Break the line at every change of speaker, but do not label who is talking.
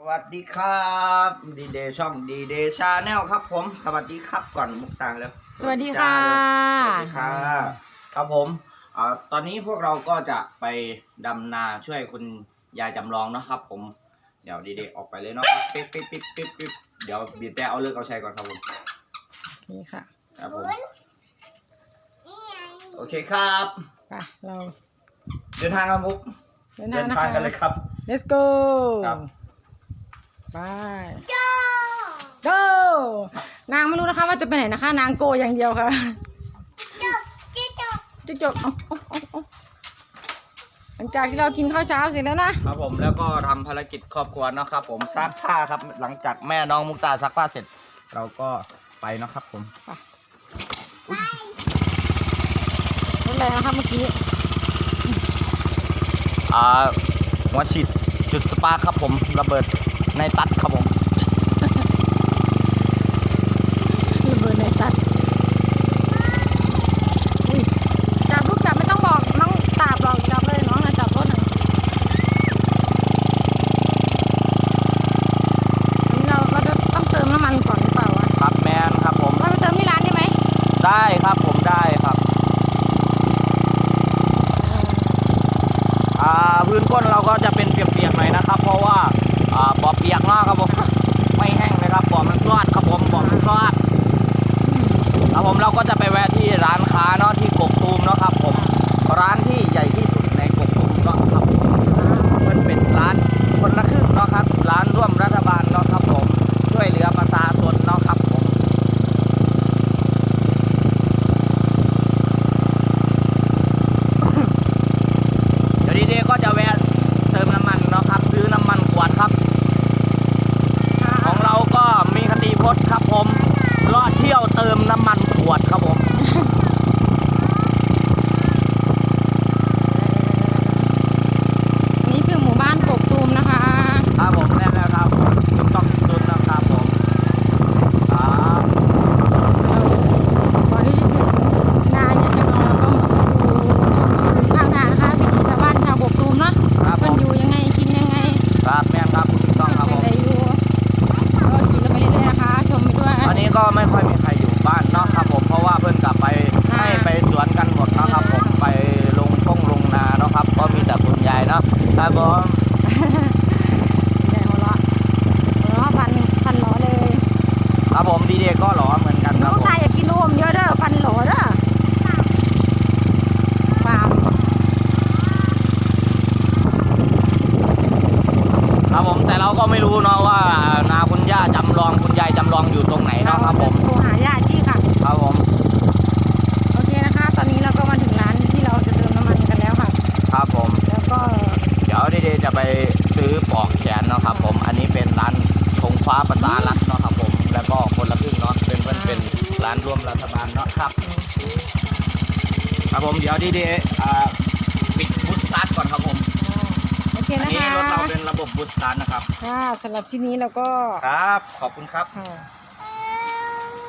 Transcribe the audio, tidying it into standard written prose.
วัสดีครับดีเดย์ช่องดีเดย์ชาแนลครับผมสวัสดีครับก่อนมุกตาแล้ว
สวัสดีค่ะ
สวัสดีค่ะครับผมตอนนี้พวกเราก็จะไปดำนาช่วยคุณยายจำลองนะครับผมเดี๋ยวดีเดย์ออกไปเลยเนาะปิ๊บเดี๋ยวบีบแต่เอาเลิกเอาใช้ก่อนครับผม
นี่ค่ะ
ครับผมโอเคครับ
ไปเรา
เดินทางครับมุกเดินทางกันเลยครับ
let's go
ครับ
ไป go นางไม่รู้นะคะว่าจะไปไหนนะคะนางโกอย่างเดียวค่ะจบหลังจากที่เรากินข้าวเช้าเสร็จแล้วนะครับ
ผมแล้วก็ทำภารกิจครอบครัวนะครับผมซักผ้าครับหลังจากแม่น้องมุกตาซักผ้าเสร็จเราก็ไปนะครับผม
รถแรงนะครับเมื่อกี้
หัวฉีดจุดสปาร์คครับผมระเบิดในตัดครับผม
ระเบิดในตัดจับลูกจับไม่ต้องบอกน้องตาบหรอกจับเลยน้องนะจับรถหน่อยอันนี้เราจะต้องเติมน้ำมันก่อนหรือเปล่าวะ
ครับแมนครับผม
เราไปเติมที่ร้านได้ไหม
ได้ครับผมได้ครับพื้นก้นเราก็จะเป็นเปียกๆหน่อยนะครับเพราะว่าบ่อเปียกมากครับผมไม่แห้งเลยครับบ่อมันซอดครับผมบ่อมันซอดครับผมเราก็จะไปแวะที่ร้านค้าเนาะที่กกตูมเนาะครับผมร้านที่ใหญ่ที่สุดในกกตูมเนาะครับมันเป็นร้านคนละครึ่งเนาะครับร้านร่วมรัฐบาลเนาะครับผมช่วยเหลือประชาชนเนาะครับผมเดี๋ยวดีๆก็จะแวะเติมน้ำมันเนาะครับซื้อน้ำมันขวดครับของเราก็มีคติพจน์ครับผมเลาะเที่ยวเติมน้ำมันขวดครับผม
นี่คือหมู่บ้านกกตูมนะคะ
ครับผมแน่แล้วครับถูกต้องที่สุดนะครับผมครับ
ก่อนที่จะถึงนาเนี่ยจะเราก็อยู่ข้างทางนะคะวิถีชาวบ้านชาวกกตูมเนาะมันอยู่ยังไงกินยังไง
ครับแม่ครับถูกต้องครับผม
ก็กินไปเรื่อยๆนะคะชมไปด้วย
อันนี้ก็ไม่ค่อยมีใครอยู่บ้านเนาะครับผมเพราะว่าเพื่อนกลับไปให้ไปสวนกันหมดนะครับผมไปลงนาเนาะครับก็มีแต่คุณยายเนาะครับผม
หัวเราะฟันหล่อเลย
ครับผมดีเดก็หล่อเหมือนกันครับผม
ใครอยากกินนมเยอะเด้อฟันหล่อเด้อฟาร์ม
ครับผมแต่เราก็ไม่รู้เนาะว่านาคุณย่าจำลองคุณยายจำลองอยู่ตรงไหนเนาะครับผม
โทรหาย่าชีค่ะ
ครับผม
โอเคนะคะตอนนี้เราก็มาถึงร้านที่เราจะเติมน้ำมันกันแล้วค่ะ
ครับผม
แล้วก็
เดี๋ยวดีๆจะไปซื้อปลอกแขนเนาะครับผมอันนี้เป็นร้านธงฟ้าประสารัฐเนาะครับผมแล้วก็คนละครึ่งเนาะเป็นร้านร่วมรัฐบาลเนาะครับครับผมเดี๋ยวดีๆปิดบูสต์สตาร์ทก่อนครับผม
โอเคนะคะ
อันนี้รถเราเป็นระบบบูสต์สตาร์ทนะครับ
ค่ะสำหรับที่นี้เราก็
ครับขอบคุณครับ